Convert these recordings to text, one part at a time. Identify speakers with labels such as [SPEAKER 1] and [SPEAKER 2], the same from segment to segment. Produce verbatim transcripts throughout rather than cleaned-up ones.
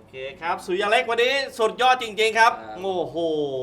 [SPEAKER 1] เคครับสุริยะเล็กวันนี้สุดยอดจริงๆครับ
[SPEAKER 2] ครับ
[SPEAKER 1] โอ้โห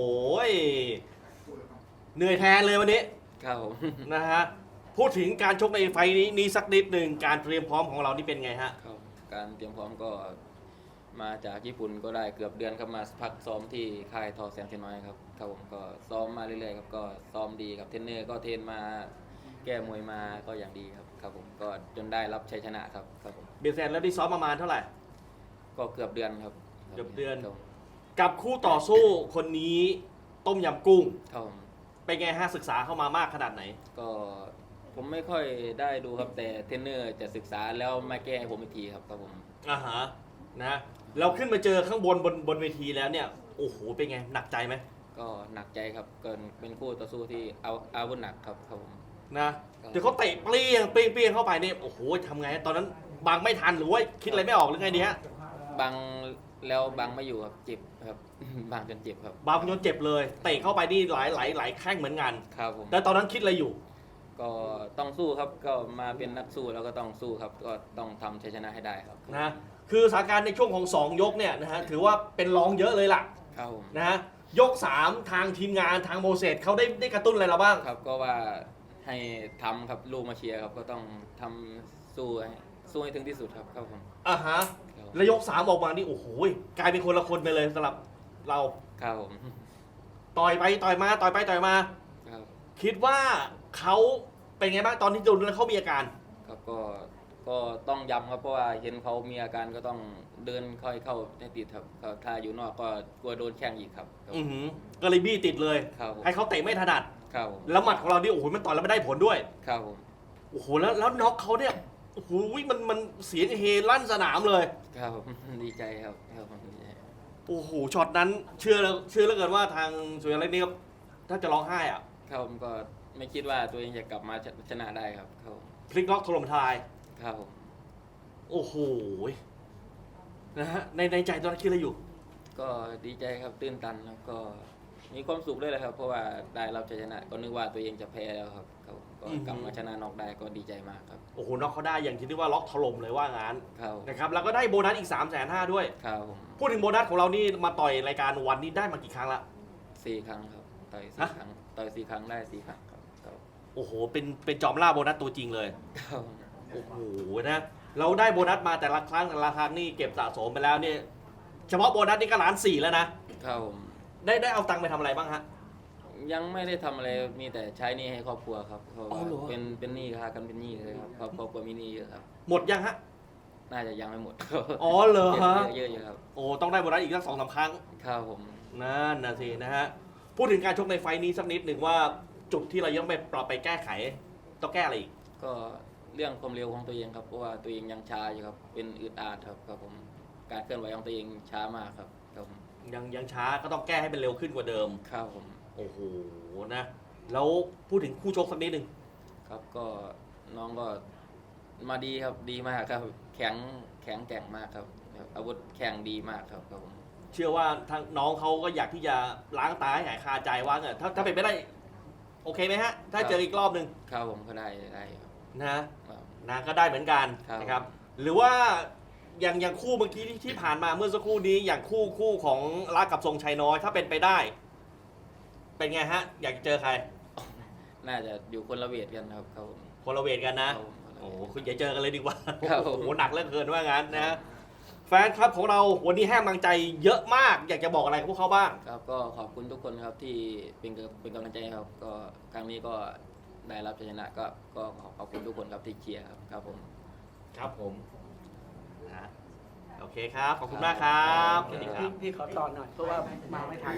[SPEAKER 1] เหนื่อยแทนเลยวันนี้
[SPEAKER 2] ครับผม
[SPEAKER 1] นะฮะพูดถึงการชกในไฟล์นี้นี้สักนิดหนึ่งการเตรียมพร้อมของเรานี่เป็นไงฮะ
[SPEAKER 2] ครับการเตรียมพร้อมก็มาจากญี่ปุ่นก็ได้เกือบเดือนครับมาพักซ้อมที่ค่ายทอแสงเทียนน้อยครับครับผมก็ซ้อมมาเรื่อยๆครับก็ซ้อมดีครับเทรนเนอร์ก็เทรนมาแก้มวยมาก็อย่างดีครับครับผมก็จนได้รับชัยชนะครับครับผม
[SPEAKER 1] เบียร์แซนแล้วได้ซ้อมประมาณเท่าไหร่
[SPEAKER 2] ก็เกือบเดือนครับ
[SPEAKER 1] เกือบเดือน
[SPEAKER 2] ครับผม
[SPEAKER 1] กับคู่ต่อสู้คนนี้ต้มยำกุ้ง
[SPEAKER 2] ครับผม
[SPEAKER 1] เป็นไงฮะศึกษาเข้ามามากขนาดไหน
[SPEAKER 2] ก็ผมไม่ค่อยได้ดูครับแต่เทรนเนอร์จะศึกษาแล้วมาแก้ให้ผมอีกทีครับครับผม
[SPEAKER 1] อ่าฮะนะเราขึ้นมาเจอข้างบนบนบนเวทีแล้วเนี่ยโอ้โหเป็นไงหนักใจไหม
[SPEAKER 2] ก็หนักใจครับเกินเป็นคู่ต่อสู้ที่เอาอาวุธหนักครับครับผม
[SPEAKER 1] นะเดี๋ยวเขาเตะเปรี้ยงเปรี้ยงเปรี้ยงเข้าไปเนี่ยโอ้โหทำไงตอนนั้นบังไม่ทันหรือว่าคิดอะไรไม่ออกหรือไงดีฮะ
[SPEAKER 2] บังแล้วบังไม่อยู่ครับเจ็บครับ บังจนเจ็บครับ
[SPEAKER 1] บังจนเจ็บเลยเตะเข้าไปนี่หลายหลายหลายแข้งเหมือนกัน
[SPEAKER 2] ครับผม
[SPEAKER 1] แต่ตอนนั้นคิดอะไรอยู่
[SPEAKER 2] ก็ต้องสู้ครับก็มาเป็นนักสู้แล้วก็ต้องสู้ครับก็ต้องทำชัยชนะให้ได้ครับ
[SPEAKER 1] นะคือสถานการณ์ในช่วงของสองยกเนี่ยนะฮะถือว่าเป็นรองเยอะเลยล่ะ
[SPEAKER 2] ครับผม
[SPEAKER 1] นะฮะยกสามทางทีมงานทางโมเสสเขาได้ได้กระตุ้นอะไรเราบ้าง
[SPEAKER 2] ครับก็ว่าให้ทำครับลูกมาเชียร์ครับก็ต้องทำสู้ให้สู้ให้ถึงที่สุดครับครับผม
[SPEAKER 1] อ่ะฮะ
[SPEAKER 2] ครับ
[SPEAKER 1] แล้วยกสามออกมานี่โอ้โหกลายเป็นคนละคนไปเลยสำหรับเรา
[SPEAKER 2] ครับผม
[SPEAKER 1] ต่อยไปต่อยมาต่อยไปต่อยมา
[SPEAKER 2] ครับ
[SPEAKER 1] คิดว่าเขาเป็นไงบ้างตอนที่โดนแล้วเขามีอาการ
[SPEAKER 2] ครับก็ก็ต้องย้ำครับเพราะว่าเห็นเขามีอาการก็ต้องเดินค่อยเข้าให้ติดครับครับถ้าอยู่นอกก็กลัวโดนแข้งอีกครับครับ
[SPEAKER 1] อือหือก็เลยบี้ติดเลย
[SPEAKER 2] ครับผม
[SPEAKER 1] ให้เขาเตะไม่ถนัด
[SPEAKER 2] ครับผม
[SPEAKER 1] แล้วหมัดของเรานี่โอ้โหมันต่อยแล้วไม่ได้ผลด้วย
[SPEAKER 2] ครับผม
[SPEAKER 1] โอ้โหแล้วแล้วน็อกเขาเนี่ยโอ้โหมันมันเสียงเฮลั่นสนามเลย
[SPEAKER 2] ครับผม ดีใจครับครับผมดีใจ
[SPEAKER 1] โอ้โหช็อตนั้นเชื่อแล้วเชื่อแล้วเกินว่าทางสุริยะเล็กนี่ก็ถ้าจะร้องไห้อ่ะ
[SPEAKER 2] ครับผมก็ไม่คิดว่าตัวเองจะกลับมาชนะได้ครับครับผม
[SPEAKER 1] พลิกล็อกถล่มทลาย
[SPEAKER 2] ครับผม
[SPEAKER 1] โอ้โหนะฮะในในใจตอนนั้นคิดอะไรอยู่
[SPEAKER 2] ก็ดีใจครับตื้นตันแล้วก็มีความสุขด้วยแหละครับ เพราะว่าได้รับชัยชนะ ก็นึกว่าตัวเองจะแพ้แล้วครับครับผมก็กลับมาชนะน็อกได้ก็ดีใจมากครับ
[SPEAKER 1] โอ้โหน็อกเขาได้อย่างที่เรียกว่าล็อกถล่มเลยว่างั้น
[SPEAKER 2] ครับ
[SPEAKER 1] นะครับแล้วก็ได้โบนัสอีก3ามแสนห้าด้วย
[SPEAKER 2] ครับผม
[SPEAKER 1] พูดถึงโบนัสของเรานี่มาต่อยรายการวันนี้ได้มากี่ครั้งละ
[SPEAKER 2] สี่ครั้งครับต่อยสี่
[SPEAKER 1] ฮะ
[SPEAKER 2] ครั้งต่อยสี่ครั้งได้สี่ครั้งครับครับ
[SPEAKER 1] โอ้โหเป็นเป็นจอมล่าโบนัสตัวจริงเลย
[SPEAKER 2] ครับ
[SPEAKER 1] โอ้โหนะเราได้โบนัสมาแต่ละครั้งแต่ละครั้งนี่เก็บสะสมไปแล้วเนี่ยเฉพาะโบนัสนี่ก็ล้านสี่แล้วนะครับ
[SPEAKER 2] ผม
[SPEAKER 1] ได้ได้เอาตังค์ไปทำอะไรบ้างฮะ
[SPEAKER 2] ยังไม่ได้ทำอะไรมีแต่ใช้หนี้ให้ครอบครัวครับเพราะ
[SPEAKER 1] อ๋อ
[SPEAKER 2] ว่า
[SPEAKER 1] เหรอ
[SPEAKER 2] เป็นเป็นหนี้ค่ะกันเป็นหนี้เลยครับครอบครัวมีหนี้เยอะครับ
[SPEAKER 1] หมดยังฮะ
[SPEAKER 2] น่าจะยังไม่หมด
[SPEAKER 1] อ๋อเหรอฮะ
[SPEAKER 2] เยอะๆเยอะๆครับ
[SPEAKER 1] โอ้ต้องได้โบนัสอีกสักสองสามครั้ง
[SPEAKER 2] ครับผม
[SPEAKER 1] นั่นนะสินะฮะพูดถึงการชกในไฟล์นี้สักนิดหนึ่งว่าจุดที่เรายังไปปรับไปแก้ไขต้องแก้อะไรอีก
[SPEAKER 2] ก็เรื่องความเร็วของตัวเองครับเพราะว่าตัวเองยังช้าอยู่ครับเป็นอึดอัดครับครับผมการเคลื่อนไหวของตัวเองช้ามากครับครับผม
[SPEAKER 1] ยังยังช้าก็ต้องแก้ให้เป็นเร็วขึ้นกว่าเดิม
[SPEAKER 2] ครับผม
[SPEAKER 1] โอ้โหนะแล้วพูดถึงคู่ชกสักนิดหนึ่ง
[SPEAKER 2] ครับก็น้องก็มาดีครับดีมากครับ แข็งแข็งแกร่งมากครับอาวุธแข็งดีมากครับครับผม
[SPEAKER 1] เชื่อว่าทางน้องเขาก็อยากที่จะล้างตาให้หายคาใจว่าเนอะถ้าถ้าเป็นไม่ได้โอเคไหมฮะ ถ้าเจออีกรอบหนึ่ง
[SPEAKER 2] ครับผมก็ได้ได้ครับ
[SPEAKER 1] นะครับ นะก็ได้เหมือนกัน
[SPEAKER 2] ครับ
[SPEAKER 1] นะครับ หรือว่าอย่างอย่างคู่เมื่อกี้ที่ที่ผ่านมาเมื่อสักครู่นี้อย่างคู่คู่ของรักกับทรงชัยน้อยถ้าเป็นไปได้ เป็นไงฮะ อยากเจอใคร
[SPEAKER 2] น่าจะอยู่คนละเวทกันครับครับผม
[SPEAKER 1] คนละเวทกัน
[SPEAKER 2] ค
[SPEAKER 1] นะ
[SPEAKER 2] รับผม
[SPEAKER 1] โอ้โหคุณอย่าเจอกันเลยดีกว่า
[SPEAKER 2] ครับผม
[SPEAKER 1] โอ้โหหนักเหลือเกินว่างั้นนะแฟนคลับของเราวันนี้ให้กำลังใจเยอะมาก อยากจะบอกอะไรกับพวกเขาบ้าง
[SPEAKER 2] ครับก็ขอบคุณทุกคนครับที่เป็นกำเป็นกำลังใจให้ครับ ก็ครั้งนี้ก็ได้รับชัยชนะก็ก็ขอขอบคุณทุกคนครับที่เชียร์ครับครับผม
[SPEAKER 1] ครับผมนะโอเคครับ ขอบคุณมากครับสวัสดีครั
[SPEAKER 3] พี่
[SPEAKER 1] บ
[SPEAKER 3] พี่ขอต่อหน่อยเพราะว่ามาไม่ทัน